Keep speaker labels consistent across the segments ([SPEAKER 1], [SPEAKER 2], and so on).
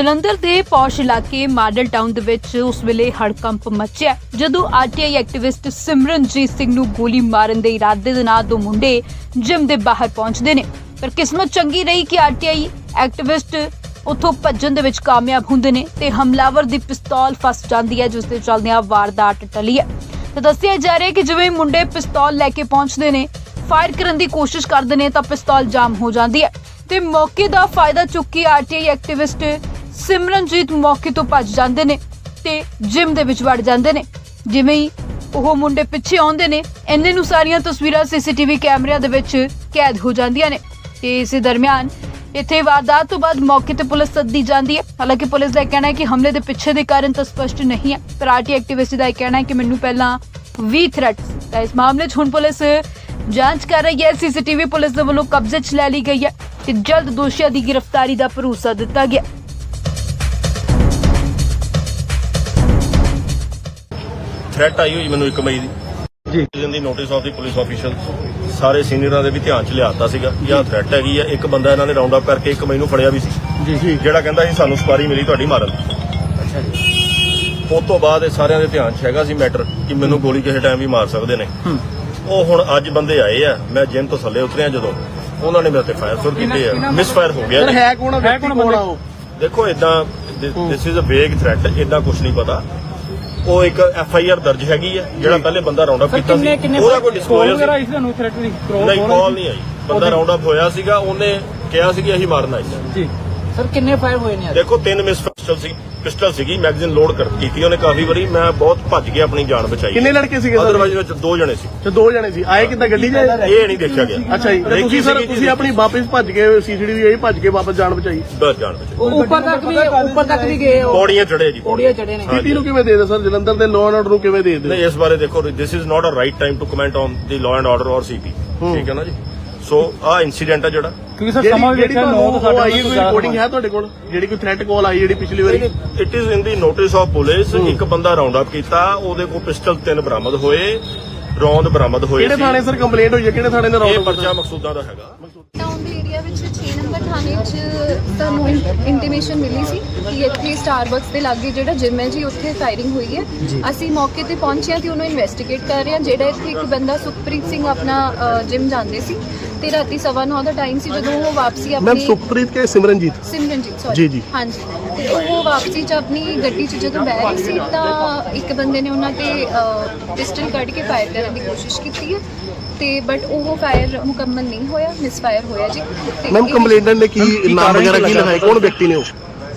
[SPEAKER 1] ਜਲੰਧਰ ਦੇ ਪੌਸ਼ ਇਲਾਕੇ model town ਦੇ ਵਿੱਚ ਉਸ ਵੇਲੇ ਹੜਕੰਪ ਮਚਿਆ ਜਦੋਂ ਆਰਟੀਆਈ ਐਕਟਿਵਿਸਟ ਸਿਮਰਨਜੀਤ ਸਿੰਘ ਨੂੰ ਗੋਲੀ ਮਾਰਨ ਦੇ ਇਰਾਦੇ ਦੇ ਨਾਲ ਦੋ ਮੁੰਡੇ ਜਿਮ ਦੇ ਬਾਹਰ ਪਹੁੰਚਦੇ ਨੇ। ਪਰ ਕਿਸਮਤ ਚੰਗੀ ਰਹੀ ਕਿ ਆਰਟੀਆਈ ਐਕਟਿਵਿਸਟ ਉੱਥੋਂ ਭੱਜਣ ਦੇ ਵਿੱਚ ਕਾਮਯਾਬ ਹੁੰਦੇ ਨੇ ਤੇ ਹਮਲਾਵਰ ਦੀ ਪਿਸਤੌਲ ਫਸ ਜਾਂਦੀ ਹੈ, ਜਿਸ ਦੇ ਚੱਲਦਿਆਂ ਵਾਰਦਾਤ ਟਲੀ ਹੈ। ਤਾਂ ਦੱਸਿਆ ਜਾ ਰਿਹਾ ਕਿ ਜਿਵੇਂ ਮੁੰਡੇ ਪਿਸਤੌਲ ਲੈ ਕੇ ਪਹੁੰਚਦੇ ਨੇ, ਫਾਇਰ ਕਰਨ ਦੀ ਕੋਸ਼ਿਸ਼ ਕਰਦੇ ਨੇ ਤਾਂ ਪਿਸਤੌਲ ਜਾਮ ਹੋ ਜਾਂਦੀ ਹੈ ਤੇ ਮੌਕੇ ਦਾ ਫਾਇਦਾ ਚੁੱਕ ਕੇ ਆਰਟੀਆਈ ਐਕਟਿਵਿਸਟ ਸਿਮਰਨਜੀਤ ਮੌਕੇ ਤੋਂ ਭੱਜ ਜਾਂਦੇ ਨੇ ਤੇ ਜਿਮ ਦੇ ਵਿੱਚ ਵੜ ਜਾਂਦੇ ਨੇ। ਜਿਵੇਂ ਹੀ ਉਹ ਮੁੰਡੇ ਪਿੱਛੇ ਆਉਂਦੇ ਨੇ, ਇੰਨੇ ਨੂੰ ਸਾਰੀਆਂ ਤਸਵੀਰਾਂ ਸੀਸੀਟੀਵੀ ਕੈਮਰਿਆਂ ਦੇ ਵਿੱਚ ਕੈਦ ਹੋ ਜਾਂਦੀਆਂ ਨੇ ਤੇ ਇਸੇ ਦਰਮਿਆਨ ਇੱਥੇ ਵਾਰਦਾਤ ਤੋਂ ਬਾਅਦ ਮੌਕੇ ਤੇ ਪੁਲਿਸ ਸੱਦੀ ਜਾਂਦੀ ਹੈ। ਹਾਲਾਂਕਿ ਪੁਲਿਸ ਦਾ ਕਹਿਣਾ ਹੈ ਕਿ ਹਮਲੇ ਦੇ ਪਿੱਛੇ ਦੇ ਕਾਰਨ ਤਾਂ ਸਪਸ਼ਟ ਨਹੀਂ ਹੈ, ਪਰ ਆਰਟੀਆਈ ਐਕਟਿਵਿਸਟ ਦਾ ਕਹਿਣਾ ਹੈ ਕਿ ਮੈਨੂੰ ਪਹਿਲਾਂ 20 ਥ੍ਰੈਟ ਸੀ। ਤਾਂ ਇਸ ਮਾਮਲੇ 'ਚ ਹੁਣ ਪੁਲਿਸ ਜਾਂਚ ਕਰ ਰਹੀ ਹੈ। ਸੀਸੀਟੀਵੀ ਪੁਲਿਸ ਦੇ ਵੱਲੋਂ ਕਬਜ਼ੇ 'ਚ ਲੈ ਲਈ ਗਈ ਹੈ ਤੇ ਜਲਦ ਦੋਸ਼ੀਆਂ ਦੀ ਗ੍ਰਿਫਤਾਰੀ ਦਾ ਭਰੋਸਾ ਦਿੱਤਾ ਗਿਆ।
[SPEAKER 2] ਥ੍ਰੈਟ ਆਈ ਹੋਈ ਮੈਨੂੰ 1 ਮਈ ਦੀ ਦੀ notice of the police official ਸਾਰੇ ਸੀਨੀਅਰਾਂ ਦੇ ਵੀ ਧਿਆਨ ਚ ਲਿਆਤਾ ਸੀਗਾ ਕਿ ਆਹ ਥ੍ਰੈਟ ਹੈਗੀ ਆ। ਇੱਕ ਬੰਦਾ ਇਹਨਾਂ ਨੇ ਰਾਉਂਡ ਅਪ ਕਰਕੇ 1 ਮਈ ਨੂੰ ਫੜਿਆ ਵੀ ਸੀ ਜਿਹੜਾ ਕਹਿੰਦਾ ਸੀ ਸਾਨੂੰ ਸਪਾਰੀ ਮਿਲੀ ਤੁਹਾਡੀ ਮਾਰਨ। ਅੱਛਾ ਜੀ। ਉਸ ਤੋਂ ਬਾਅਦ ਇਹ ਸਾਰਿਆਂ ਦੇ ਧਿਆਨ ਚ ਹੈਗਾ ਸੀ ਮੈਟਰ ਕਿ ਮੈਨੂੰ ਗੋਲੀ ਕਿਸੇ ਟਾਈਮ ਵੀ ਮਾਰ ਸਕਦੇ ਨੇ। ਉਹ ਹੁਣ ਅੱਜ ਬੰਦੇ ਆਏ ਆ, ਮੈਂ ਜਿਮ ਤੋਂ ਥੱਲੇ ਉਤਰਿਆ ਜਦੋਂ ਉਹਨਾਂ ਨੇ ਮੇਰੇ ਤੇ ਫਾਇਰ ਸ਼ੁਰੂ ਕੀਤੇ ਆ। ਮਿਸ ਫਾਇਰ ਹੋ ਗਿਆ।
[SPEAKER 3] ਹੈ ਕੌਣ ਆ ਉਹ?
[SPEAKER 2] ਦੇਖੋ ਇਦਾਂ ਦਿਸ ਇਜ਼ ਅ ਵੇਗ ਥ੍ਰੈਟ, ਇਦਾਂ ਕੁਝ ਨਹੀਂ ਪਤਾ। ਉਹ ਇੱਕ FIR ਦਰਜ ਹੈਗੀ ਆ ਜਿਹੜਾ ਪਹਿਲੇ ਬੰਦਾ ਰਾਉਂਡ ਅਪ ਕੀਤਾ ਸੀ, ਉਹਦਾ ਕੋਈ ਡਿਸਕਲੋਜ਼ਰ ਨਹੀਂ, ਕਾਲ ਨਹੀਂ ਆਈ। ਬੰਦਾ ਰਾਉਂਡ ਅਪ ਹੋਇਆ ਸੀਗਾ, ਉਹਨੇ ਕਿਹਾ ਸੀ ਕਿ ਅਸੀਂ ਮਾਰਨਾ ਹੈ ਜੀ।
[SPEAKER 3] ਸਰ ਕਿੰਨੇ ਫਾਇਰ ਹੋਏ ਨੇ?
[SPEAKER 2] ਦੇਖੋ 3 ਮਿਸ ਪਿਸਟਲ ਸੀਗੀ, ਮੈਗਜ਼ੀਨ ਲੋਡ ਕੀਤੀ ਉਹਨੇ ਕਾਫੀ ਵਾਰੀ। ਮੈਂ ਬਹੁਤ ਭੱਜ ਕੇ ਆਪਣੀ ਜਾਨ ਬਚਾਈ।
[SPEAKER 3] ਕਿੰਨੇ ਲੜਕੇ ਸੀਗੇ?
[SPEAKER 2] ਅਦਰਵਾਈਜ਼ ਵਿੱਚ 2 ਜਣੇ ਸੀ।
[SPEAKER 3] ਤੇ 2 ਜਣੇ ਸੀ। ਆਏ ਕਿੱਦਾਂ ਗੱਡੀ 'ਚ?
[SPEAKER 2] ਇਹ ਨਹੀਂ ਦੇਖਿਆ ਗਿਆ।
[SPEAKER 3] ਅੱਛਾ ਜੀ। ਤੁਸੀਂ ਸਰ ਤੁਸੀਂ ਆਪਣੀ ਵਾਪਸ ਭੱਜ ਕੇ ਸੀਸੀਟੀਵੀ ਆਈ ਭੱਜ ਕੇ ਵਾਪਸ ਜਾਨ ਬਚਾਈ?
[SPEAKER 2] ਬਸ ਜਾਨ ਬਚਾਈ।
[SPEAKER 3] ਉੱਪਰ ਤੱਕ ਵੀ ਗਏ?
[SPEAKER 2] ਪੌੜੀਆਂ ਚੜੇ ਜੀ,
[SPEAKER 3] ਪੌੜੀਆਂ ਚੜੇ ਨੇ। ਸਿਟੀ ਨੂੰ ਕਿਵੇਂ ਦੇ ਸਰ? ਜਲੰਧਰ ਦੇ ਲਾਅ ਐਂਡ ਆਰਡਰ ਨੂੰ ਕਿਵੇਂ ਦੇ?
[SPEAKER 2] ਨਹੀਂ, ਇਸ ਬਾਰੇ ਦੇਖੋ this is not a right time to comment on the law and order ਔਰ CP। ਠੀਕ ਹੈ ਨਾ ਜੀ। ਸੋ ਆਹ ਇਨਸੀਡੈਂਟ ਆ ਜਿਹੜਾ
[SPEAKER 3] ਕਿਉਂਕਿ ਸਰ ਸਮਾਂ ਵੀ ਵੇਖਿਆ 9 ਤੋਂ 8 ਕੋਈ ਰਿਕਾਰਡਿੰਗ ਹੈ ਤੁਹਾਡੇ ਕੋਲ ਜਿਹੜੀ ਕੋਈ ਥ੍ਰੈਟ ਕਾਲ ਆਈ ਜਿਹੜੀ ਪਿਛਲੀ ਵਾਰੀ?
[SPEAKER 2] It is in the notice of police. ਇੱਕ ਬੰਦਾ ਰਾਉਂਡ ਅਪ ਕੀਤਾ, ਉਹਦੇ ਕੋਲ ਪਿਸਟਲ 3 ਬਰਾਮਦ ਹੋਏ, ਰੌਂਦ ਬਰਾਮਦ ਹੋਏ।
[SPEAKER 3] ਕਿਹੜੇ ਥਾਣੇ ਸਰ ਕੰਪਲੇਂਟ ਹੋਈ ਹੈ? ਕਿਹੜੇ ਥਾਣੇ ਦਾ
[SPEAKER 2] ਇਹ
[SPEAKER 3] ਰੌਂਦ?
[SPEAKER 2] ਪਰਚਾ ਮਕਸੂਦਾਂ ਦਾ ਹੈਗਾ।
[SPEAKER 4] ਟਾਊਨ ਦੇ ਏਰੀਆ ਵਿੱਚ 6 ਨੰਬਰ ਥਾਣੇ 'ਚ ਸਾਨੂੰ ਇੰਟੀਮੇਸ਼ਨ ਮਿਲੀ ਸੀ ਕਿ ਇੱਥੇ ਸਟਾਰਬਕਸ ਦੇ ਲਾਗੇ ਜਿਹੜਾ ਜਿਮ ਹੈ ਜੀ, ਉੱਥੇ ਫਾਇਰਿੰਗ ਹੋਈ ਹੈ। ਅਸੀਂ ਮੌਕੇ ਤੇ ਪਹੁੰਚੇ ਹਾਂ ਤੇ ਉਹਨੂੰ ਇਨਵੈਸਟੀਗੇਟ ਕਰ ਰਹੇ ਹਾਂ। ਜਿਹੜਾ ਇੱਥੇ ਇੱਕ ਬੰਦਾ ਸੁਖਪ੍ਰੀਤ ਸਿੰਘ ਆਪਣਾ ਜਿਮ ਜਾਂਦੇ ਸੀ ਤੇ ਰਾਤੀ 9:15 ਦਾ ਟਾਈਮ ਸੀ ਜਦੋਂ ਉਹ ਵਾਪਸੀ
[SPEAKER 3] ਮੈਮ
[SPEAKER 4] ਆਪਣੀ
[SPEAKER 3] ਸੁਖਪ੍ਰੀਤ ਕੇ ਸਿਮਰਨਜੀਤ
[SPEAKER 4] ਸੌਰੀ
[SPEAKER 3] ਜੀ।
[SPEAKER 4] ਹਾਂਜੀ, ਤੇ ਉਹ ਵਾਪਸੀ 'ਚ ਆਪਣੀ ਗੱਡੀ 'ਚ ਜਦੋਂ ਬਹਿ ਰਹੇ ਸੀ ਤਾਂ ਇੱਕ ਬੰਦੇ ਨੇ ਉਹਨਾਂ ਤੇ ਪਿਸਟਲ ਕੱਢ ਕੇ ਫਾਇਰ ਕਰਨ ਦੀ ਕੋਸ਼ਿਸ਼ ਕੀਤੀ ਹੈ ਤੇ ਬਟ ਉਹ ਫਾਇਰ ਮੁਕੰਮਲ ਨਹੀਂ ਹੋਇਆ, ਮਿਸ ਫਾਇਰ ਹੋਇਆ ਜੀ। ਤੇ
[SPEAKER 3] ਮੈਮ ਕੰਪਲੇਂਟੈਂਟ ਨੇ ਕੀ ਨਾਮ ਵਗੈਰਾ ਕੀ ਲਿਖਾਇਆ? ਕੌਣ ਵਿਅਕਤੀ ਨੇ ਉਹ?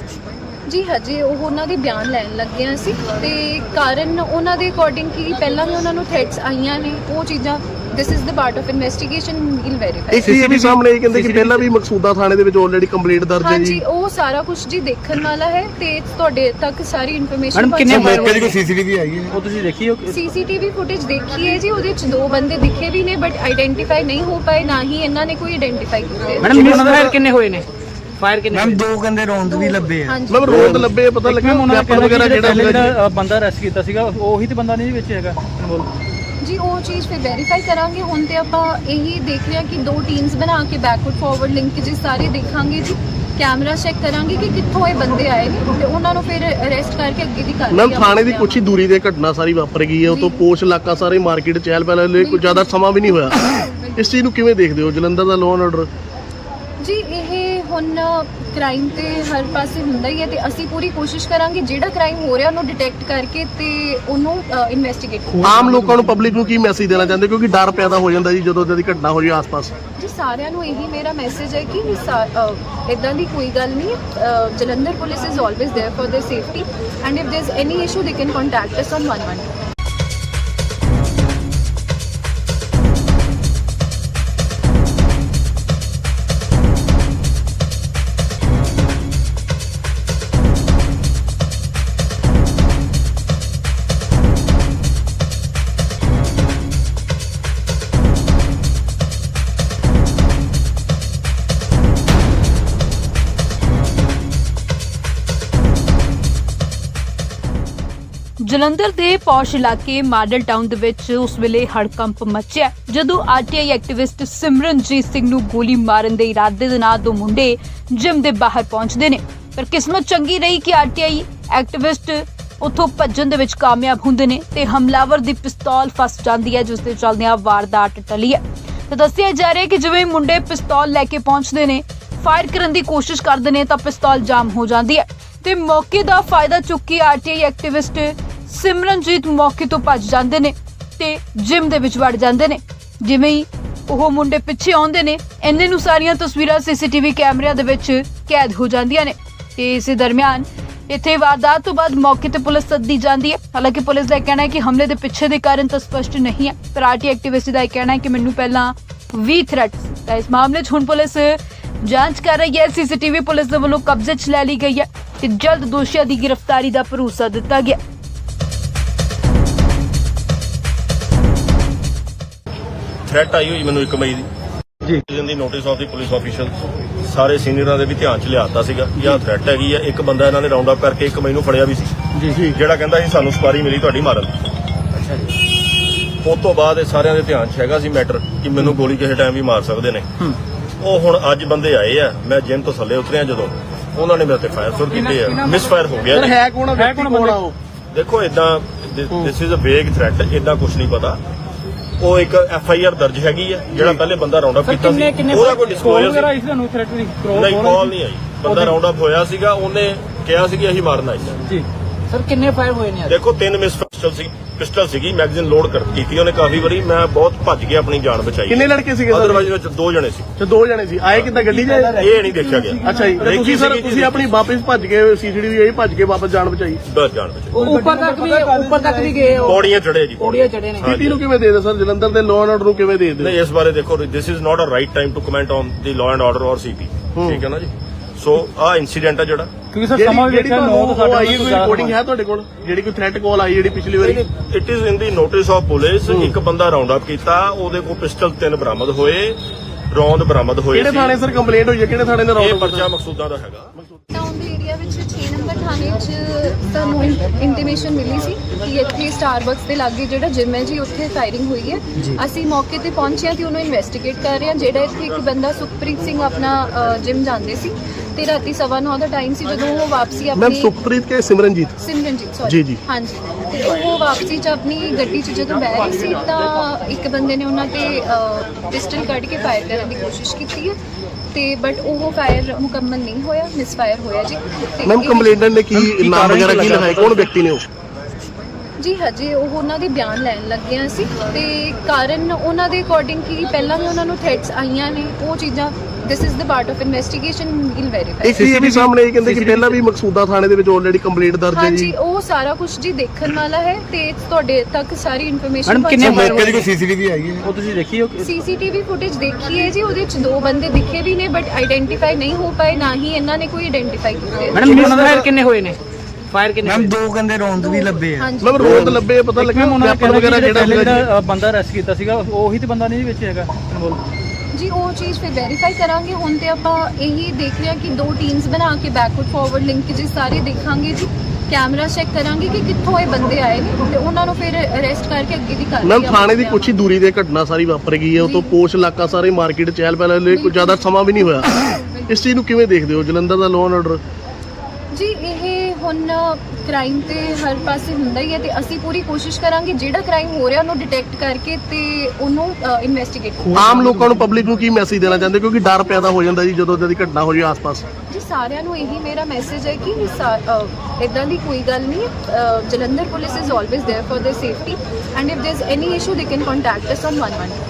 [SPEAKER 4] ਜੀ ਹਜੇ ਉਹ ਉਹਨਾਂ ਦੇ ਬਿਆਨ ਲੈਣ ਲੱਗੇ ਹਾਂ ਅਸੀਂ ਤੇ ਕਾਰਨ ਉਹਨਾਂ ਦੇ ਅਕੋਰਡਿੰਗ ਕੀ ਪਹਿਲਾਂ ਵੀ ਉਹਨਾਂ ਨੂੰ ਥ੍ਰੈਟਸ ਆਈਆਂ ਨੇ, ਉਹ ਚੀਜ਼ਾਂ this is the part of investigation, we'll verify.
[SPEAKER 3] ਇੱਕ ਇਹ ਵੀ ਸਾਹਮਣੇ ਇਹ ਕਹਿੰਦੇ ਕਿ ਪਹਿਲਾਂ ਵੀ ਮਕਸੂਦਾ ਥਾਣੇ ਦੇ ਵਿੱਚ ਆਲਰੇਡੀ ਕੰਪਲੇਂਟ ਦਰਜ ਹੈ ਜੀ।
[SPEAKER 4] ਹਾਂਜੀ, ਉਹ ਸਾਰਾ ਕੁਝ ਜੀ ਦੇਖਣ ਵਾਲਾ ਹੈ ਤੇ ਤੁਹਾਡੇ ਤੱਕ ਸਾਰੀ ਇਨਫੋਰਮੇਸ਼ਨ
[SPEAKER 3] ਮੈਡਮ ਕਿੰਨੇ ਮੌਕੇ ਦੀ ਕੋਈ ਸੀਸੀਟੀਵੀ ਆਈ ਹੈ? ਉਹ ਤੁਸੀਂ ਦੇਖੀ ਹੋ?
[SPEAKER 4] ਸੀਸੀਟੀਵੀ ਫੁਟੇਜ ਦੇਖੀ ਹੈ ਜੀ, ਉਹਦੇ 'ਚ 2 ਬੰਦੇ ਦਿਖੇ ਵੀ ਨੇ ਬਟ ਆਇਡੈਂਟੀਫਾਈ ਨਹੀਂ ਹੋ ਪਾਏ, ਨਾ ਹੀ ਇਹਨਾਂ ਨੇ ਕੋਈ ਆਇਡੈਂਟੀਫਾਈ ਕੀਤੇ।
[SPEAKER 3] ਮੈਡਮ ਮਿਸ ਫਾਇਰ ਕਿੰਨੇ ਹੋਏ ਨੇ? ਫਾਇਰ ਕਿੰਨੇ?
[SPEAKER 5] ਮੈਮ 2 ਗੰਦੇ ਰੌਂਦ ਵੀ ਲੱਭੇ ਆ।
[SPEAKER 3] ਮੈਮ ਰੋਡ ਲੱਭੇ ਪਤਾ ਲੱਗਿਆ ਵੈਪਨ ਵਗੈਰਾ
[SPEAKER 5] ਜਿਹੜਾ ਬੰਦਾ ਅਰੈਸਟ ਕੀਤਾ ਸੀਗਾ ਉਹੀ ਤੇ ਬੰਦਾ ਨਹੀਂ ਵਿੱਚ ਹੈਗਾ
[SPEAKER 4] ਜੀ। ਉਹ ਚੀਜ਼ ਫਿਰ ਵੈਰੀਫਾਈ ਕਰਾਂਗੇ। ਹੁਣ ਤੇ ਆਪਾਂ ਇਹੀ ਦੇਖ ਰਹੇ ਹਾਂ ਕਿ 2 ਟੀਮਸ ਬਣਾ ਕੇ ਬੈਕਵਰਡ ਫਾਰਵਰਡ ਲਿੰਕੇजेस ਸਾਰੇ ਦੇਖਾਂਗੇ ਜੀ, ਕੈਮਰਾ ਚੈੱਕ ਕਰਾਂਗੇ ਕਿ ਕਿੱਥੋਂ ਇਹ ਬੰਦੇ ਆਏ ਨੇ ਤੇ ਉਹਨਾਂ ਨੂੰ ਫਿਰ ਅਰੈਸਟ ਕਰਕੇ ਅੱਗੇ ਦੀ ਕਾਰਵਾਈ।
[SPEAKER 3] ਮੈਮ ਥਾਣੇ ਦੀ ਕੁਛ ਹੀ ਦੂਰੀ ਤੇ ਘਟਨਾ ਸਾਰੀ ਵਾਪਰ ਗਈ ਹੈ, ਉਹ ਤੋਂ ਪੋਸ਼ ਇਲਾਕਾ ਸਾਰੇ ਮਾਰਕੀਟ ਚਹਿਲ ਪਹਿਲ ਲਈ ਕੋਈ ਜ਼ਿਆਦਾ ਸਮਾਂ ਵੀ ਨਹੀਂ ਹੋਇਆ। ਇਸ ਚੀਜ਼ ਨੂੰ ਕਿਵੇਂ ਦੇਖਦੇ ਹੋ ਜਲੰਧਰ ਦਾ ਲਾਅ ਐਂਡ ਆਰਡਰ?
[SPEAKER 4] ਜੀ ਇਹ ਹੁਣ ਕ੍ਰਾਈਮ ਤੇ ਹਰ ਪਾਸੇ ਹੁੰਦਾ ਹੀ ਹੈ ਤੇ ਅਸੀਂ ਪੂਰੀ ਕੋਸ਼ਿਸ਼ ਕਰਾਂਗੇ ਜਿਹੜਾ ਕ੍ਰਾਈਮ ਹੋ ਰਿਹਾ ਉਹਨੂੰ ਡਿਟੈਕਟ ਕਰਕੇ ਤੇ ਉਹਨੂੰ ਇਨਵੈਸਟੀਗੇਟ ਕਰਾਂਗੇ।
[SPEAKER 3] ਆਮ ਲੋਕਾਂ ਨੂੰ ਪਬਲਿਕ ਨੂੰ ਕੀ ਮੈਸੇਜ ਦੇਣਾ ਚਾਹੁੰਦੇ ਕਿਉਂਕਿ ਡਰ ਪੈਦਾ ਹੋ ਜਾਂਦਾ ਜੀ ਜਦੋਂ ਦੀ ਘਟਨਾ ਹੋ ਜੀ ਆਸ-ਪਾਸ?
[SPEAKER 4] ਜੀ ਸਾਰਿਆਂ ਨੂੰ ਇਹੀ ਮੇਰਾ ਮੈਸੇਜ ਹੈ ਕਿ ਇਦਾਂ ਦੀ ਕੋਈ ਗੱਲ ਨਹੀਂ ਹੈ। Jalandhar police is always there for their safety and if there is any issue they can contact us on 112।
[SPEAKER 1] Jalandhar ਦੇ ਪੌਸ਼ ਇਲਾਕੇ ਮਾਡਲ ਟਾਊਨ ਦੇ ਵਿੱਚ ਉਸ ਵੇਲੇ ਹੜਕੰਪ ਮਚਿਆ ਜਦੋਂ ਆਰਟੀਆਈ ਐਕਟਿਵਿਸਟ ਸਿਮਰਨਜੀਤ ਸਿੰਘ ਨੂੰ ਗੋਲੀ ਮਾਰਨ ਦੇ ਇਰਾਦੇ ਦੇ ਨਾਲ ਦੋ ਮੁੰਡੇ ਜਿਮ ਦੇ ਬਾਹਰ ਪਹੁੰਚਦੇ ਨੇ। ਪਰ ਕਿਸਮਤ ਚੰਗੀ ਰਹੀ ਕਿ ਆਰਟੀਆਈ ਐਕਟਿਵਿਸਟ ਉੱਥੋਂ ਭੱਜਣ ਦੇ ਵਿੱਚ ਕਾਮਯਾਬ ਹੁੰਦੇ ਨੇ ਤੇ ਹਮਲਾਵਰ ਦੀ ਪਿਸਤੌਲ ਫਸ ਜਾਂਦੀ ਹੈ, ਜਿਸ ਦੇ ਚੱਲਦਿਆਂ ਵਾਰਦਾਤ ਟਲੀ ਹੈ। ਤਾਂ ਦੱਸਿਆ ਜਾ ਰਿਹਾ ਹੈ ਕਿ ਜਿਵੇਂ ਮੁੰਡੇ ਪਿਸਤੌਲ ਲੈ ਕੇ ਪਹੁੰਚਦੇ ਨੇ, ਫਾਇਰ ਕਰਨ ਦੀ ਕੋਸ਼ਿਸ਼ ਕਰਦੇ ਨੇ ਤਾਂ ਪਿਸਤੌਲ ਜਾਮ ਹੋ ਜਾਂਦੀ ਹੈ ਤੇ ਮੌਕੇ ਦਾ ਫਾਇਦਾ ਚੁੱਕ ਕੇ ਆਰਟੀਆਈ ਐਕਟਿਵਿਸਟ ਸਿਮਰਨਜੀਤ ਮੌਕੇ ਤੋਂ ਭੱਜ ਜਾਂਦੇ ਨੇ ਤੇ ਜਿਮ ਦੇ ਵਿੱਚ ਵੜ ਜਾਂਦੇ ਨੇ। ਜਿਵੇਂ ਹੀ ਉਹ ਮੁੰਡੇ ਪਿੱਛੇ ਆਉਂਦੇ ਨੇ, ਇੰਨੇ ਨੂੰ ਸਾਰੀਆਂ ਤਸਵੀਰਾਂ ਸੀਸੀਟੀਵੀ ਕੈਮਰਿਆਂ ਦੇ ਵਿੱਚ ਕੈਦ ਹੋ ਜਾਂਦੀਆਂ ਨੇ ਤੇ ਇਸੇ ਦਰਮਿਆਨ ਇੱਥੇ ਵਾਰਦਾਤ ਤੋਂ ਬਾਅਦ ਮੌਕੇ ਤੇ ਪੁਲਿਸ ਸੱਦੀ ਜਾਂਦੀ ਹੈ। ਹਾਲਾਂਕਿ ਪੁਲਿਸ ਦਾ ਇਹ ਕਹਿਣਾ ਹੈ ਕਿ ਹਮਲੇ ਦੇ ਪਿੱਛੇ ਦੇ ਕਾਰਨ ਤਾਂ ਸਪਸ਼ਟ ਨਹੀਂ ਹੈ, ਪਰ ਆਰਟੀਆਈ ਐਕਟਿਵਿਸਟ ਦਾ ਇਹ ਕਹਿਣਾ ਹੈ ਕਿ ਮੈਨੂੰ ਪਹਿਲਾਂ ਵੀ ਥ੍ਰੈਟ ਸੀ। ਤਾਂ ਇਸ ਮਾਮਲੇ 'ਚ ਹੁਣ ਪੁਲਿਸ ਜਾਂਚ ਕਰ ਰਹੀ ਹੈ। ਸੀਸੀਟੀਵੀ ਪੁਲਿਸ ਦੇ ਵੱਲੋਂ ਕਬਜ਼ੇ 'ਚ ਲੈ ਲਈ ਗਈ ਹੈ ਤੇ ਜਲਦ ਦੋਸ਼ੀਆਂ ਦੀ ਗ੍ਰਿਫਤਾਰੀ ਦਾ ਭਰੋਸਾ ਦਿੱਤਾ ਗਿਆ।
[SPEAKER 2] ਥ੍ਰੈਟ ਆਈ ਹੋਈ ਮੈਨੂੰ 1 ਮਈ ਦੀ ਜੀ ਦੀ notice of the police official ਸਾਰੇ ਸੀਨੀਅਰਾਂ ਦੇ ਵੀ ਧਿਆਨ 'ਚ ਲਿਆਤਾ ਸੀਗਾ ਕਿ ਆਹ ਥ੍ਰੈਟ ਹੈਗੀ ਆ। ਇੱਕ ਬੰਦਾ ਇਹਨਾਂ ਨੇ ਰਾਉਂਡ ਅਪ ਕਰਕੇ 1 ਮਈ ਨੂੰ ਫੜਿਆ ਵੀ ਸੀ ਜੀ, ਜਿਹੜਾ ਕਹਿੰਦਾ ਸੀ ਸਾਨੂੰ ਸਪਾਰੀ ਮਿਲੀ ਤੁਹਾਡੀ ਮਾਰਨ। ਅੱਛਾ ਜੀ। ਉਸ ਤੋਂ ਬਾਅਦ ਇਹ ਸਾਰਿਆਂ ਦੇ ਧਿਆਨ 'ਚ ਹੈਗਾ ਸੀ ਮੈਟਰ ਕਿ ਮੈਨੂੰ ਗੋਲੀ ਕਿਸੇ ਟਾਈਮ ਵੀ ਮਾਰ ਸਕਦੇ ਨੇ। ਉਹ ਹੁਣ ਅੱਜ ਬੰਦੇ ਆਏ ਆ, ਮੈਂ ਜਿਮ ਤੋਂ ਥੱਲੇ ਉਤਰਿਆ ਜਦੋਂ ਉਹਨਾਂ ਨੇ ਮੇਰੇ ਤੇ ਫਾਇਰ ਸ਼ੁਰੂ ਕੀਤੇ ਆ। ਮਿਸ ਫਾਇਰ ਹੋ ਗਿਆ ਜੀ।
[SPEAKER 3] ਹੈ ਕੌਣ ਆ ਉਹ?
[SPEAKER 2] ਦੇਖੋ ਇਦਾਂ ਦਿਸ ਇਜ਼ ਅ ਵੇਗ ਥ੍ਰੈਟ, ਇਦਾਂ ਕੁਝ ਨਹੀਂ ਪਤਾ। ਉਹ ਇੱਕ FIR ਦਰਜ ਹੈਗੀ ਆ, ਜਿਹੜਾ ਪਹਿਲੇ ਬੰਦਾ ਰਾਉਂਡ ਅਪ ਕੀਤਾ ਸੀ ਉਹਦਾ ਕੋਈ ਡਿਸਕਲੋਜ਼ਰ ਨਹੀਂ, ਕਾਲ ਨਹੀਂ ਆਈ। ਬੰਦਾ ਰਾਉਂਡ ਅਪ ਹੋਇਆ ਸੀਗਾ, ਉਹਨੇ ਕਿਹਾ ਸੀ ਕਿ ਅਸੀਂ ਮਾਰਨਾ ਆਈ
[SPEAKER 5] ਜੀ। ਸਰ ਕਿੰਨੇ ਫਾਇਰ ਹੋਏ ਨੇ?
[SPEAKER 2] ਦੇਖੋ 3 ਮਿਸ ਪਿਸਟਲ ਸੀਗੀ, ਮੈਗਜ਼ੀਨ ਲੋਡ ਕੀਤੀ ਉਹਨੇ ਕਾਫੀ ਵਾਰੀ। ਮੈਂ ਬਹੁਤ ਭੱਜ ਕੇ ਆਪਣੀ ਜਾਨ ਬਚਾਈ।
[SPEAKER 3] ਕਿੰਨੇ ਲੜਕੇ ਸੀਗੇ?
[SPEAKER 2] ਅਦਰਵਾਈਜ਼ ਵਿੱਚ 2 ਜਣੇ ਸੀ।
[SPEAKER 3] ਤੇ 2 ਜਣੇ ਸੀ। ਆਏ ਕਿੱਦਾਂ ਗੱਡੀ 'ਚ?
[SPEAKER 2] ਇਹ ਨਹੀਂ ਦੇਖਿਆ ਗਿਆ।
[SPEAKER 3] ਅੱਛਾ ਜੀ। ਤੁਸੀਂ ਸਰ ਤੁਸੀਂ ਆਪਣੀ ਵਾਪਸ ਭੱਜ ਕੇ ਸੀਸੀਟੀਵੀ ਆਈ ਭੱਜ ਕੇ ਵਾਪਸ ਜਾਨ ਬਚਾਈ?
[SPEAKER 2] ਬਸ ਜਾਨ ਬਚਾਈ।
[SPEAKER 5] ਉੱਪਰ ਤੱਕ ਵੀ ਗਏ ਹੋ?
[SPEAKER 2] ਪੌੜੀਆਂ ਚੜੇ ਜੀ,
[SPEAKER 5] ਪੌੜੀਆਂ ਚੜੇ ਨੇ।
[SPEAKER 3] ਸਿਟੀ ਨੂੰ ਕਿਵੇਂ ਦੇ ਦੇ ਸਰ? ਜਲੰਧਰ ਦੇ ਲਾਅ ਐਂਡ ਆਰਡਰ ਨੂੰ ਕਿਵੇਂ ਦੇ ਦੇ?
[SPEAKER 2] ਨਹੀਂ, ਇਸ ਬਾਰੇ ਦੇਖੋ this is not a right time to comment on the law and order ਔਰ ਸੀਪੀ। ਠੀਕ ਹੈ ਨਾ ਜੀ। ਸੋ ਆਹ ਇਨਸੀਡੈਂਟ ਆ ਜਿਹੜਾ,
[SPEAKER 5] ਕਿਉਂਕਿ ਸਰ ਸਮਾਂ ਵੀ ਦੇਖਿਆ 9 ਤੋਂ 7
[SPEAKER 3] ਆਈ ਕੋਈ ਰਿਕਾਰਡਿੰਗ ਹੈ ਤੁਹਾਡੇ ਕੋਲ ਜਿਹੜੀ ਕੋਈ ਥ੍ਰੈਟ ਕਾਲ ਆਈ ਜਿਹੜੀ ਪਿਛਲੀ ਵਾਰੀ?
[SPEAKER 2] It is in the notice of police. ਇੱਕ ਬੰਦਾ ਰਾਉਂਡ ਅਪ ਕੀਤਾ, ਉਹਦੇ ਕੋਲ ਪਿਸਟਲ 3 ਬਰਾਮਦ ਹੋਏ, ਰੌਂਦ ਬਰਾਮਦ ਹੋਏ।
[SPEAKER 3] ਕਿਹੜੇ ਥਾਣੇ ਸਰ ਕੰਪਲੇਂਟ ਹੋਈ ਹੈ? ਕਿਹੜੇ ਥਾਣੇ ਦਾ
[SPEAKER 2] ਇਹ
[SPEAKER 3] ਰੌਂਦ?
[SPEAKER 2] ਪਰਚਾ ਮਕਸੂਦਾਂ ਦਾ ਹੈਗਾ।
[SPEAKER 4] ਟਾਊਨ ਦੇ ਏਰੀਆ ਵਿੱਚ 6 ਨੰਬਰ ਥਾਣੇ 'ਚ ਸਾਨੂੰ ਇੰਟੀਮੇਸ਼ਨ ਮਿਲੀ ਸੀ ਕਿ ਇੱਥੇ ਸਟਾਰਬਕਸ ਦੇ ਲਾਗੇ ਜਿਹੜਾ ਜਿਮ ਹੈ ਜੀ, ਉੱਥੇ ਫਾਇਰਿੰਗ ਹੋਈ ਹੈ। ਅਸੀਂ ਮੌਕੇ ਤੇ ਪਹੁੰਚੇ ਹਾਂ ਤੇ ਉਹਨੂੰ ਇਨਵੈਸਟੀਗੇਟ ਕਰ ਰਹੇ ਹਾਂ। ਜਿਹੜਾ ਇੱਥੇ ਇੱਕ ਬੰਦਾ ਸੁਖਪ੍ਰੀਤ ਸਿੰਘ ਆਪਣਾ ਜਿਮ ਜਾਂਦੇ ਸੀ ਤੇ ਰਾਤੀ 9:15 ਦਾ ਟਾਈਮ ਸੀ ਜਦੋਂ ਉਹ ਵਾਪਸੀ
[SPEAKER 3] ਮੈਮ
[SPEAKER 4] ਆਪਣੀ
[SPEAKER 3] ਸੁਖਪ੍ਰੀਤ ਕੇ ਸਿਮਰਨਜੀਤ
[SPEAKER 4] ਸੌਰੀ
[SPEAKER 3] ਜੀ।
[SPEAKER 4] ਹਾਂਜੀ, ਤੇ ਉਹ ਵਾਪਸੀ 'ਚ ਆਪਣੀ ਗੱਡੀ 'ਚ ਜਦੋਂ ਬਹਿ ਰਹੀ ਸੀ ਤਾਂ ਇੱਕ ਬੰਦੇ ਨੇ ਉਹਨਾਂ ਤੇ ਪਿਸਟਲ ਕੱਢ ਕੇ ਫਾਇਰ ਕਰਨ ਦੀ ਕੋਸ਼ਿਸ਼ ਕੀਤੀ ਹੈ ਤੇ ਬਟ ਉਹ ਫਾਇਰ ਮੁਕੰਮਲ ਨਹੀਂ ਹੋਇਆ, ਮਿਸਫਾਇਰ ਹੋਇਆ ਜੀ। ਤੇ
[SPEAKER 3] ਮੈਮ ਕੰਪਲੇਂਟਰ ਨੇ ਕੀ ਨਾਮ ਵਗੈਰਾ ਕੀ ਲਿਖਾਇਆ? ਕੌਣ ਵਿਅਕਤੀ ਨੇ ਉਹ?
[SPEAKER 4] ਜੀ ਹਜੇ ਉਹ ਉਹਨਾਂ ਦੇ ਬਿਆਨ ਲੈਣ ਲੱਗੇ ਹਾਂ ਅਸੀਂ ਤੇ ਕਾਰਨ ਉਹਨਾਂ ਦੇ ਅਕੋਰਡਿੰਗ ਕੀ ਪਹਿਲਾਂ ਵੀ ਉਹਨਾਂ ਨੂੰ ਥ੍ਰੈਟਸ ਆਈਆਂ ਨੇ, ਉਹ ਚੀਜ਼ਾਂ this is the part of investigation, will verify.
[SPEAKER 3] ਇੱਕ ਇਹ ਵੀ ਸਾਹਮਣੇ ਇਹ ਕਹਿੰਦੇ ਕਿ ਪਹਿਲਾਂ ਵੀ ਮਕਸੂਦਾ ਥਾਣੇ ਦੇ ਵਿੱਚ ਆਲਰੇਡੀ ਕੰਪਲੇਂਟ ਦਰਜ ਹੈ
[SPEAKER 4] ਹਾਂਜੀ,
[SPEAKER 3] ਜੀ।
[SPEAKER 4] ਉਹ ਸਾਰਾ ਕੁਝ ਜੀ ਦੇਖਣ ਵਾਲਾ ਹੈ ਤੇ ਤੁਹਾਡੇ ਤੱਕ ਸਾਰੀ ਇਨਫੋਰਮੇਸ਼ਨ
[SPEAKER 5] ਮੈਡਮ ਕਿੰਨੇ
[SPEAKER 3] ਮੌਕੇ ਦੀ ਕੋਈ ਸੀਸੀਟੀਵੀ ਆਈ ਹੈ?
[SPEAKER 5] ਉਹ ਤੁਸੀਂ ਦੇਖੀ ਹੋ?
[SPEAKER 4] ਸੀਸੀਟੀਵੀ ਫੁਟੇਜ ਦੇਖੀ ਹੈ ਜੀ, ਉਹਦੇ ਚ 2 ਬੰਦੇ ਦਿਖੇ ਵੀ ਨੇ ਬਟ ਆਈਡੈਂਟੀਫਾਈ ਨਹੀਂ ਹੋ ਪਾਏ, ਨਾ ਹੀ ਇਹਨਾਂ ਨੇ ਕੋਈ ਆਈਡੈਂਟੀਫਾਈ ਕੀਤੇ।
[SPEAKER 5] ਮੈਡਮ ਮਿਸਫਾਇਰ ਕਿੰਨੇ ਹੋਏ ਨੇ? ਫਾਇਰ ਕਿੰਨੇ?
[SPEAKER 6] ਮੈਮ 2 ਗੰਦੇ ਰੌਂਦ ਵੀ ਲੱਭੇ ਆ।
[SPEAKER 4] ਹਾਂਜੀ
[SPEAKER 3] ਮੈਮ ਰੋਡ ਲੱਭੇ, ਪਤਾ ਲੱਗਿਆ ਵੈਪਨ ਵਗੈਰਾ
[SPEAKER 5] ਜਿਹੜਾ ਬੰਦਾ ਅਰੈਸਟ ਕੀਤਾ ਸੀਗਾ ਉਹੀ ਤੇ ਬੰਦਾ ਨਹੀਂ ਵਿੱਚ ਹੈਗਾ ਇਨਵੋਲਵ
[SPEAKER 4] ਜੀ। ਉਹ ਚੀਜ਼ ਫਿਰ ਵੈਰੀਫਾਈ ਕਰਾਂਗੇ। ਹੁਣ ਤੇ ਆਪਾਂ ਇਹੀ ਦੇਖ ਰਹੇ ਹਾਂ ਕਿ 2 ਟੀਮਸ ਬਣਾ ਕੇ ਬੈਕਵਰਡ ਫਾਰਵਰਡ ਲਿੰਕੇजेस ਸਾਰੇ ਦੇਖਾਂਗੇ ਜੀ, ਕੈਮਰਾ ਚੈੱਕ ਕਰਾਂਗੇ ਕਿ ਕਿੱਥੋਂ ਇਹ ਬੰਦੇ ਆਏ ਨੇ ਤੇ ਉਹਨਾਂ ਨੂੰ ਫਿਰ ਅਰੈਸਟ ਕਰਕੇ ਅੱਗੇ ਦੀ ਕਾਰਵਾਈ।
[SPEAKER 3] ਮੈਮ ਥਾਣੇ ਦੀ ਕੁਛ ਹੀ ਦੂਰੀ ਤੇ ਘਟਨਾ ਸਾਰੀ ਵਾਪਰ ਗਈ ਹੈ, ਉਹ ਤੋਂ ਪੋਸ਼ ਇਲਾਕਾ ਸਾਰੇ ਮਾਰਕੀਟ ਚਹਿਲ ਪਹਿਲ ਲਈ ਕੋਈ ਜ਼ਿਆਦਾ ਸਮਾਂ ਵੀ ਨਹੀਂ ਹੋਇਆ। ਇਸ ਚੀਜ਼ ਨੂੰ ਕਿਵੇਂ ਦੇਖਦੇ ਹੋ? ਜਲੰਧਰ ਦਾ ਲਾਅ ਐਂਡ ਆਰਡਰ
[SPEAKER 4] ਜੀ ਇਹ ਹੁਣ ਕ੍ਰਾਈਮ ਤੇ ਹਰ ਪਾਸੇ ਹੁੰਦਾ ਹੀ ਹੈ ਤੇ ਅਸੀਂ ਪੂਰੀ ਕੋਸ਼ਿਸ਼ ਕਰਾਂਗੇ ਜਿਹੜਾ ਕ੍ਰਾਈਮ ਹੋ ਰਿਹਾ ਉਹਨੂੰ ਡਿਟੈਕਟ ਕਰਕੇ ਤੇ ਉਹਨੂੰ ਇਨਵੈਸਟੀਗੇਟ ਕਰਾਂਗੇ।
[SPEAKER 3] ਆਮ ਲੋਕਾਂ ਨੂੰ ਪਬਲਿਕ ਨੂੰ ਕੀ ਮੈਸੇਜ ਦੇਣਾ ਚਾਹੁੰਦੇ ਕਿਉਂਕਿ ਡਰ ਪੈਦਾ ਹੋ ਜਾਂਦਾ ਜੀ ਜਦੋਂ ਇਦਾਂ ਦੀ ਘਟਨਾ ਹੋ ਜਾਏ ਆਸ-ਪਾਸ?
[SPEAKER 4] ਜੀ ਸਾਰਿਆਂ ਨੂੰ ਇਹੀ ਮੇਰਾ ਮੈਸੇਜ ਹੈ ਕਿ ਇਦਾਂ ਦੀ ਕੋਈ ਗੱਲ ਨਹੀਂ ਹੈ। Jalandhar police is always there for their safety and if there is any issue they can contact us on 112।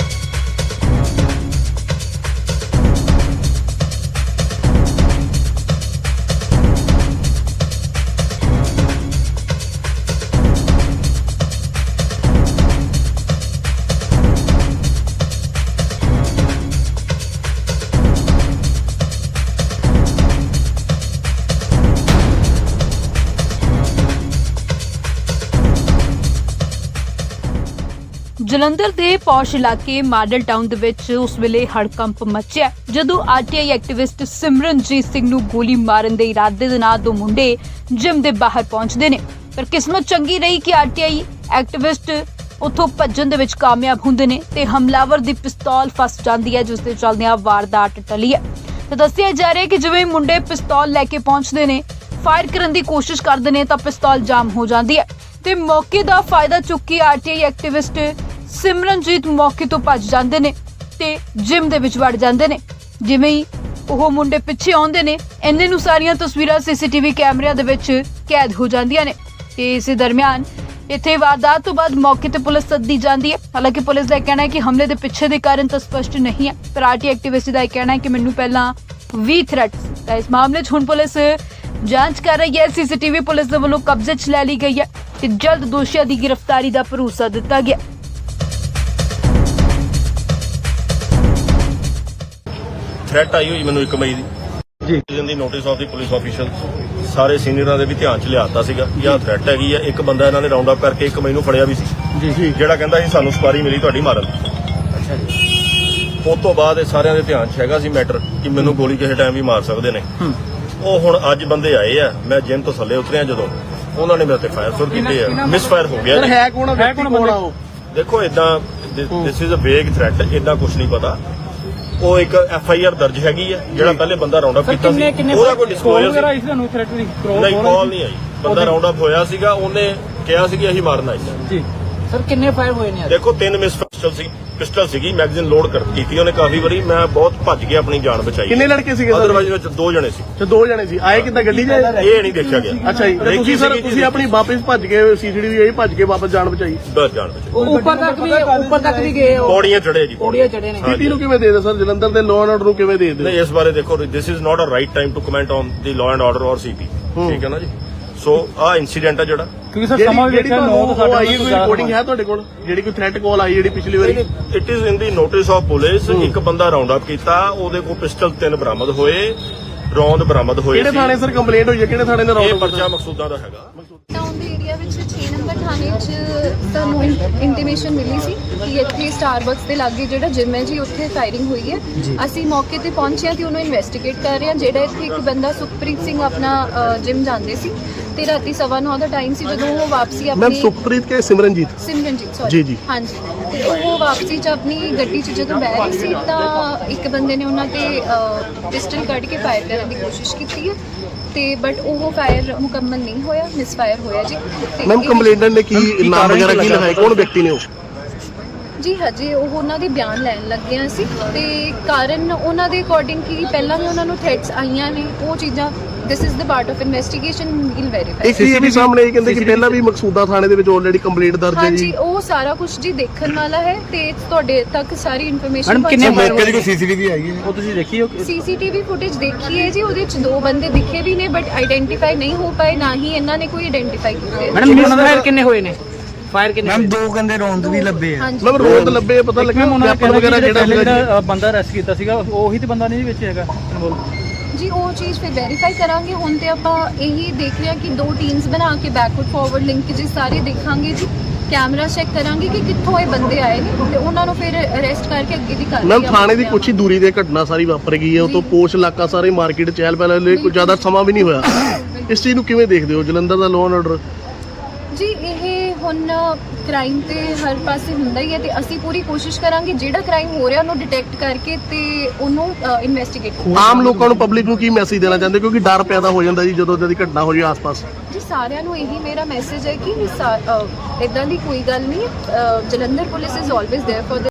[SPEAKER 1] Jalandhar ਦੇ ਪੌਸ਼ ਇਲਾਕੇ ਮਾਡਲ ਟਾਊਨ ਦੇ ਵਿੱਚ ਉਸ ਵੇਲੇ ਹੜਕੰਪ ਮਚਿਆ ਜਦੋਂ ਆਰਟੀਆਈ ਐਕਟਿਵਿਸਟ ਸਿਮਰਨਜੀਤ ਸਿੰਘ ਨੂੰ ਗੋਲੀ ਮਾਰਨ ਦੇ ਇਰਾਦੇ ਦੇ ਨਾਲ 2 ਮੁੰਡੇ ਜਿਮ ਦੇ ਬਾਹਰ ਪਹੁੰਚਦੇ ਨੇ। ਪਰ ਕਿਸਮਤ ਚੰਗੀ ਰਹੀ ਕਿ ਆਰਟੀਆਈ ਐਕਟਿਵਿਸਟ ਉੱਥੋਂ ਭੱਜਣ ਦੇ ਵਿੱਚ ਕਾਮਯਾਬ ਹੁੰਦੇ ਨੇ ਤੇ ਹਮਲਾਵਰ ਦੀ ਪਿਸਤੌਲ ਫਸ ਜਾਂਦੀ ਹੈ, ਜਿਸ ਦੇ ਚੱਲਦਿਆਂ ਵਾਰਦਾਤ ਟਲੀ ਹੈ। ਤਾਂ ਦੱਸਿਆ ਜਾ ਰਿਹਾ ਹੈ ਕਿ ਜਿਵੇਂ ਹੀ ਮੁੰਡੇ ਪਿਸਤੌਲ ਲੈ ਕੇ ਪਹੁੰਚਦੇ ਨੇ, ਫਾਇਰ ਕਰਨ ਦੀ ਕੋਸ਼ਿਸ਼ ਕਰਦੇ ਨੇ ਤਾਂ ਪਿਸਤੌਲ ਜਾਮ ਹੋ ਜਾਂਦੀ ਹੈ ਤੇ ਮੌਕੇ ਦਾ ਫਾਇਦਾ ਚੁੱਕ ਕੇ ਆਰਟੀਆਈ ਐਕਟਿਵਿਸਟ ਸਿਮਰਨਜੀਤ ਮੌਕੇ ਤੋਂ ਭੱਜ ਜਾਂਦੇ ਨੇ ਤੇ ਜਿਮ ਦੇ ਵਿੱਚ ਵੜ ਜਾਂਦੇ ਨੇ। ਜਿਵੇਂ ਹੀ ਉਹ ਮੁੰਡੇ ਪਿੱਛੇ ਆਉਂਦੇ ਨੇ, ਇੰਨੇ ਨੂੰ ਸਾਰੀਆਂ ਤਸਵੀਰਾਂ ਸੀਸੀਟੀਵੀ ਕੈਮਰਿਆਂ ਦੇ ਵਿੱਚ ਕੈਦ ਹੋ ਜਾਂਦੀਆਂ ਨੇ ਤੇ ਇਸੇ ਦਰਮਿਆਨ ਇੱਥੇ ਵਾਰਦਾਤ ਤੋਂ ਬਾਅਦ ਮੌਕੇ ਤੇ ਪੁਲਿਸ ਸੱਦੀ ਜਾਂਦੀ ਹੈ। ਹਾਲਾਂਕਿ ਪੁਲਿਸ ਦਾ ਇਹ ਕਹਿਣਾ ਹੈ ਕਿ ਹਮਲੇ ਦੇ ਪਿੱਛੇ ਦੇ ਕਾਰਨ ਤਾਂ ਸਪਸ਼ਟ ਨਹੀਂ ਹੈ, ਪਰ ਆਰਟੀ ਐਕਟਿਵਿਸਟ ਦਾ ਇਹ ਕਹਿਣਾ ਹੈ ਕਿ ਮੈਨੂੰ ਪਹਿਲਾਂ ਵੀ ਥ੍ਰੈਟ ਸੀ। ਤਾਂ ਇਸ ਮਾਮਲੇ 'ਚ ਹੁਣ ਪੁਲਿਸ ਜਾਂਚ ਕਰ ਰਹੀ ਹੈ। ਸੀਸੀਟੀਵੀ ਪੁਲਿਸ ਦੇ ਵੱਲੋਂ ਕਬਜ਼ੇ 'ਚ ਲੈ ਲਈ ਗਈ ਹੈ ਤੇ ਜਲਦ ਦੋਸ਼ੀਆਂ ਦੀ ਗ੍ਰਿਫਤਾਰੀ ਦਾ ਭਰੋਸਾ ਦਿੱਤਾ ਗਿਆ।
[SPEAKER 2] ਥ੍ਰੈਟ ਆਈ ਹੋਈ ਮੈਨੂੰ 1 ਮਈ ਦੀ ਜੀ ਦੀ notice of the police official ਸਾਰੇ ਸੀਨੀਅਰਾਂ ਦੇ ਵੀ ਧਿਆਨ 'ਚ ਲਿਆਤਾ ਸੀਗਾ ਕਿ ਆਹ ਥ੍ਰੈਟ ਹੈਗੀ ਆ। ਇੱਕ ਬੰਦਾ ਇਹਨਾਂ ਨੇ ਰਾਉਂਡ ਅਪ ਕਰਕੇ 1 ਮਈ ਨੂੰ ਫੜਿਆ ਵੀ ਸੀ ਜੀ, ਜਿਹੜਾ ਕਹਿੰਦਾ ਸੀ ਸਾਨੂੰ ਸਪਾਰੀ ਮਿਲੀ ਤੁਹਾਡੀ ਮਾਰਨ ਦੀ। ਅੱਛਾ ਜੀ। ਉਸ ਤੋਂ ਬਾਅਦ ਇਹ ਸਾਰਿਆਂ ਦੇ ਧਿਆਨ 'ਚ ਹੈਗਾ ਸੀ ਮੈਟਰ ਕਿ ਮੈਨੂੰ ਗੋਲੀ ਕਿਸੇ ਟਾਈਮ ਵੀ ਮਾਰ ਸਕਦੇ ਨੇ। ਉਹ ਹੁਣ ਅੱਜ ਬੰਦੇ ਆਏ ਆ, ਮੈਂ ਜਿਮ ਤੋਂ ਥੱਲੇ ਉਤਰਿਆ ਜਦੋਂ ਉਹਨਾਂ ਨੇ ਮੇਰੇ ਤੇ ਫਾਇਰ ਸ਼ੁਰੂ ਕੀਤੇ ਆ। ਮਿਸ ਫਾਇਰ ਹੋ ਗਿਆ ਜੀ।
[SPEAKER 3] ਹੈ ਕੌਣ ਆ ਉਹ?
[SPEAKER 2] ਦੇਖੋ ਇਦਾਂ ਦਿਸ ਇਜ਼ ਅ ਵੇਗ ਥ੍ਰੈਟ, ਇਦਾਂ ਕੁਝ ਨਹੀਂ ਪਤਾ। ਉਹ ਇੱਕ FIR ਦਰਜ ਹੈਗੀ ਆ, ਜਿਹੜਾ ਪਹਿਲੇ ਬੰਦਾ ਰਾਉਂਡ ਅਪ ਕੀਤਾ ਸੀ ਉਹਦਾ ਕੋਈ ਡਿਸਕਲੋਜ਼ਰ
[SPEAKER 5] ਵਗੈਰਾ ਇਸ ਨੂੰ ਥ੍ਰੈਟ ਦੀ
[SPEAKER 2] ਨਹੀਂ, ਕਾਲ ਨਹੀਂ ਆਈ। ਬੰਦਾ ਰਾਉਂਡ ਅਪ ਹੋਇਆ ਸੀਗਾ, ਉਹਨੇ ਕਿਹਾ ਸੀ ਕਿ ਅਸੀਂ ਮਾਰਨ ਆਏ ਸੀ
[SPEAKER 5] ਜੀ।
[SPEAKER 6] ਸਰ ਕਿੰਨੇ ਫਾਇਰ ਹੋਏ ਨੇ?
[SPEAKER 2] ਦੇਖੋ 3 ਮਿਸ ਪਿਸਟਲ ਸੀਗੀ, ਮੈਗਜ਼ੀਨ ਲੋਡ ਕੀਤੀ ਉਹਨੇ ਕਾਫੀ ਵਾਰੀ। ਮੈਂ ਬਹੁਤ ਭੱਜ ਕੇ ਆਪਣੀ ਜਾਨ ਬਚਾਈ।
[SPEAKER 3] ਕਿੰਨੇ ਲੜਕੇ ਸੀਗੇ ਸਰ?
[SPEAKER 2] ਅਦਰਵਾਈਜ਼ ਵਿੱਚ 2 ਜਣੇ ਸੀ
[SPEAKER 3] ਤੇ 2 ਜਣੇ ਸੀ। ਆਏ ਕਿੱਦਾਂ ਗੱਡੀ 'ਚ?
[SPEAKER 2] ਇਹ ਨਹੀਂ ਦੇਖਿਆ ਗਿਆ।
[SPEAKER 3] ਅੱਛਾ ਜੀ। ਤੇ ਤੁਸੀਂ ਸਰ ਤੁਸੀਂ ਆਪਣੀ ਵਾਪਸ ਭੱਜ ਗਏ, ਸੀਸੀਟੀਵੀ ਇਹ ਭੱਜ ਕੇ ਵਾਪਸ ਜਾਨ ਬਚਾਈ?
[SPEAKER 2] ਬਸ ਜਾਨ ਬਚਾਈ।
[SPEAKER 6] ਉੱਪਰ ਤੱਕ ਵੀ ਗਏ ਉਹ?
[SPEAKER 2] ਪੌੜੀਆਂ ਚੜੇ ਜੀ,
[SPEAKER 6] ਪੌੜੀਆਂ ਚੜੇ ਨੇ।
[SPEAKER 3] ਸਿਟੀ ਨੂੰ ਕਿਵੇਂ ਦੇ ਦੇ ਸਰ? ਜਲੰਧਰ ਦੇ ਲਾਅ ਐਂਡ ਆਰਡਰ ਨੂੰ ਕਿਵੇਂ ਦੇ ਦੇ?
[SPEAKER 2] ਨਹੀਂ, ਇਸ ਬਾਰੇ ਦੇਖੋ, this is not a right time to comment on the law and order ਔਰ ਸੀਪੀ। ਠੀਕ ਹੈ ਨਾ ਜੀ। ਸੋ ਆਹ ਇਨਸੀਡੈਂਟ ਆ ਜਿਹੜਾ,
[SPEAKER 5] ਕਿਉਂਕਿ ਸਰ ਸਮਾਂ ਵੀ
[SPEAKER 3] ਜਿਹੜੀ
[SPEAKER 5] ਦੇਖਿਆ 9 ਤੋਂ
[SPEAKER 3] ਤੁਹਾਨੂੰ ਆਈ ਕੋਈ
[SPEAKER 5] 8:30
[SPEAKER 3] ਰਿਕਾਰਡਿੰਗ ਹੈ ਤੁਹਾਡੇ ਕੋਲ? ਜਿਹੜੀ ਕੋਈ ਥ੍ਰੈਟ ਕਾਲ ਆਈ ਜਿਹੜੀ ਪਿਛਲੀ ਵਾਰੀ?
[SPEAKER 2] It is in the notice of police. ਇੱਕ ਬੰਦਾ ਰਾਉਂਡ ਅਪ ਕੀਤਾ, ਉਹਦੇ ਕੋਲ ਪਿਸਟਲ 3 ਬਰਾਮਦ ਹੋਏ, ਰੌਂਦ ਬਰਾਮਦ ਹੋਏ।
[SPEAKER 3] ਕਿਹੜੇ ਥਾਣੇ ਸਰ ਕੰਪਲੇਂਟ ਹੋਈ ਹੈ? ਕਿਹੜੇ ਥਾਣੇ ਦਾ
[SPEAKER 2] ਇਹ
[SPEAKER 3] ਰੌਂਦ?
[SPEAKER 2] ਪਰਚਾ ਮਕਸੂਦਾਂ ਦਾ ਹੈਗਾ।
[SPEAKER 4] ਟਾਊਨ ਦੇ ਏਰੀਆ ਵਿੱਚ 6 ਨੰਬਰ ਥਾਣੇ 'ਚ ਸਾਨੂੰ ਇੰਟੀਮੇਸ਼ਨ ਮਿਲੀ ਸੀ ਕਿ ਇੱਥੇ ਸਟਾਰਬਕਸ ਦੇ ਲਾਗੇ ਜਿਹੜਾ ਜਿਮ ਹੈ ਜੀ, ਉੱਥੇ ਫਾਇਰਿੰਗ ਹੋਈ ਹੈ। ਅਸੀਂ ਮੌਕੇ ਤੇ ਪਹੁੰਚੇ ਤੇ ਉਹਨੂੰ ਇਨਵੈਸਟੀਗੇਟ ਕਰ ਰਹੇ ਹਾਂ। ਜਿਹੜਾ ਇੱਥੇ ਇੱਕ ਬੰਦਾ ਸੁਖਪ੍ਰੀਤ ਸਿੰਘ ਆਪਣਾ ਜਿਮ ਜਾਂਦੇ ਸੀ ਤੇ ਰਾਤੀ 9:15 ਦਾ ਟਾਈਮ ਸੀ ਜਦੋਂ ਉਹ ਵਾਪਸੀ
[SPEAKER 3] ਮੈਮ
[SPEAKER 4] ਆਪਣੀ
[SPEAKER 3] ਸੁਖਪ੍ਰੀਤ ਕੇ ਸਿਮਰਨਜੀਤ
[SPEAKER 4] ਸਿਮਰਨਜੀਤ
[SPEAKER 3] ਜੀ, ਜੀ।
[SPEAKER 4] ਹਾਂਜੀ, ਤੇ ਉਹ ਵਾਪਸੀ 'ਚ ਆਪਣੀ ਗੱਡੀ 'ਚ ਜਦੋਂ ਬਹਿ ਰਹੀ ਸੀ ਤਾਂ ਇੱਕ ਬੰਦੇ ਨੇ ਉਹਨਾਂ ਤੇ ਪਿਸਟਲ ਕੱਢ ਕੇ ਫਾਇਰ ਕਰਨ ਦੀ ਕੋਸ਼ਿਸ਼ ਕੀਤੀ ਹੈ ਤੇ ਬਟ ਉਹ ਫਾਇਰ ਮੁਕੰਮਲ ਨਹੀਂ ਹੋਇਆ, ਮਿਸਫਾਇਰ ਹੋਇਆ ਜੀ। ਤੇ
[SPEAKER 3] ਮੈਮ
[SPEAKER 4] ਇਹ-
[SPEAKER 3] ਕੰਪਲੇਂਟਰ ਨੇ ਕੀ ਨਾਮ ਵਗੈਰਾ ਕੀ ਲਿਖਾਇਆ? ਕੌਣ ਵਿਅਕਤੀ ਨੇ ਉਹ?
[SPEAKER 4] ਜੀ ਹਜੇ ਉਹ ਉਹਨਾਂ ਦੇ ਬਿਆਨ ਲੈਣ ਲੱਗੇ ਹਾਂ ਅਸੀਂ ਤੇ ਕਾਰਨ ਉਹਨਾਂ ਦੇ ਅਕੋਰਡਿੰਗ ਕੀ ਪਹਿਲਾਂ ਵੀ ਉਹਨਾਂ ਨੂੰ ਥ੍ਰੈਟਸ ਆਈਆਂ ਨੇ, ਉਹ ਚੀਜ਼ਾਂ this is the part of investigation, we'll verify.
[SPEAKER 3] ਇੱਕ ਇਹ ਵੀ ਸਾਹਮਣੇ ਇਹ ਕਹਿੰਦੇ ਕਿ ਪਹਿਲਾਂ ਵੀ ਮਕਸੂਦਾ ਥਾਣੇ ਦੇ ਵਿੱਚ ਆਲਰੇਡੀ ਕੰਪਲੇਂਟ ਦਰਜ ਹੈ
[SPEAKER 4] ਹਾਂਜੀ,
[SPEAKER 3] ਜੀ।
[SPEAKER 4] ਉਹ ਸਾਰਾ ਕੁਝ ਜੀ ਦੇਖਣ ਵਾਲਾ ਹੈ ਤੇ ਤੁਹਾਡੇ ਤੱਕ ਸਾਰੀ ਇਨਫੋਰਮੇਸ਼ਨ
[SPEAKER 6] ਮੈਡਮ ਕਿੰਨੇ
[SPEAKER 3] ਮੌਕੇ ਦੀ ਕੋਈ ਸੀਸੀਟੀਵੀ ਆਈ ਹੈ?
[SPEAKER 5] ਉਹ ਤੁਸੀਂ ਦੇਖੀ ਹੋ?
[SPEAKER 4] ਸੀਸੀਟੀਵੀ ਫੁਟੇਜ ਦੇਖੀ ਹੈ ਜੀ, ਉਹਦੇ ਚ 2 ਬੰਦੇ ਦਿਖੇ ਵੀ ਨੇ ਬਟ ਆਈਡੈਂਟੀਫਾਈ ਨਹੀਂ ਹੋ ਪਾਏ, ਨਾ ਹੀ ਇਹਨਾਂ ਨੇ ਕੋਈ ਆਈਡੈਂਟੀਫਾਈ ਕੀਤੇ।
[SPEAKER 6] ਮੈਡਮ ਮਿਸ ਫਾਇਰ ਕਿੰਨੇ ਹੋਏ ਨੇ? ਫਾਇਰ ਕਿੰਨੇ? ਮੈਮ 2 ਕਹਿੰਦੇ ਰੌਂਦ ਵੀ ਲੱਭੇ ਆ।
[SPEAKER 4] ਹਾਂਜੀ,
[SPEAKER 3] ਮੈਮ ਰੋਡ ਲੱਭੇ ਪਤਾ ਲੱਗਿਆ ਵੈਪਨ ਵਗੈਰਾ ਜਿਹੜਾ
[SPEAKER 5] ਜਿਹੜਾ ਬੰਦਾ ਅਰੈਸਟ ਕੀਤਾ ਸੀਗਾ ਉਹੀ ਤੇ ਬੰਦਾ ਨਹੀਂ ਵਿੱਚ ਹੈਗਾ ਇਨਵੋਲਵ?
[SPEAKER 4] ਜੀ ਉਹ ਚੀਜ਼ ਫਿਰ ਵੈਰੀਫਾਈ ਕਰਾਂਗੇ। ਹੁਣ ਤੇ ਆਪਾਂ ਇਹੀ ਦੇਖ ਰਹੇ ਹਾਂ ਕਿ 2 ਟੀਮਸ ਬਣਾ ਕੇ ਬੈਕਵਰਡ ਫਾਰਵਰਡ ਲਿੰਕੇजेस ਸਾਰੇ ਦੇਖਾਂਗੇ ਜੀ, ਕੈਮਰਾ ਚੈੱਕ ਕਰਾਂਗੇ ਕਿ ਕਿੱਥੋਂ ਇਹ ਬੰਦੇ ਆਏ ਨੇ ਤੇ ਉਹਨਾਂ ਨੂੰ ਫਿਰ ਅਰੈਸਟ ਕਰਕੇ ਅੱਗੇ ਦੀ ਕਾਰਵਾਈ।
[SPEAKER 3] ਮੈਮ ਥਾਣੇ ਦੀ ਕੁਛ ਹੀ ਦੂਰੀ ਤੇ ਘਟਨਾ ਸਾਰੀ ਵਾਪਰ ਗਈ ਹੈ, ਉਹ ਤੋਂ ਪੋਸ਼ ਇਲਾਕਾ ਸਾਰੇ ਮਾਰਕੀਟ ਚਹਿਲ ਪਹਿਲ ਲਈ ਕੋਈ ਜ਼ਿਆਦਾ ਸਮਾਂ ਵੀ ਨਹੀਂ ਹੋਇਆ। ਇਸ ਚੀਜ਼ ਨੂੰ ਕਿਵੇਂ ਦੇਖਦੇ ਹੋ ਜਲੰਧਰ ਦਾ ਲਾਅ ਐਂਡ ਆਰਡਰ?
[SPEAKER 4] ਜੀ ਇਹ ਹੁਣ ਕ੍ਰਾਈਮ ਤੇ ਹਰ ਪਾਸੇ ਹੁੰਦਾ ਹੀ ਹੈ ਤੇ ਅਸੀਂ ਪੂਰੀ ਕੋਸ਼ਿਸ਼ ਕਰਾਂਗੇ ਜਿਹੜਾ ਕ੍ਰਾਈਮ ਹੋ ਰਿਹਾ ਉਹਨੂੰ ਡਿਟੈਕਟ ਕਰਕੇ ਤੇ ਉਹਨੂੰ ਇਨਵੈਸਟੀਗੇਟ
[SPEAKER 3] ਆਮ ਲੋਕਾਂ ਨੂੰ ਪਬਲਿਕ ਨੂੰ ਕੀ ਮੈਸੇਜ ਦੇਣਾ ਚਾਹੁੰਦੇ, ਕਿਉਂਕਿ ਡਰ ਪੈਦਾ ਹੋ ਜਾਂਦਾ ਜੀ ਜਦੋਂ ਦੀ ਘਟਨਾ ਹੋ ਜਾਏ ਆਸ-ਪਾਸ?
[SPEAKER 4] ਜੀ ਸਾਰਿਆਂ ਨੂੰ ਇਹੀ ਮੇਰਾ ਮੈਸੇਜ ਹੈ ਕਿ ਇਦਾਂ ਦੀ ਕੋਈ ਗੱਲ ਨਹੀਂ। Jalandhar police is always there for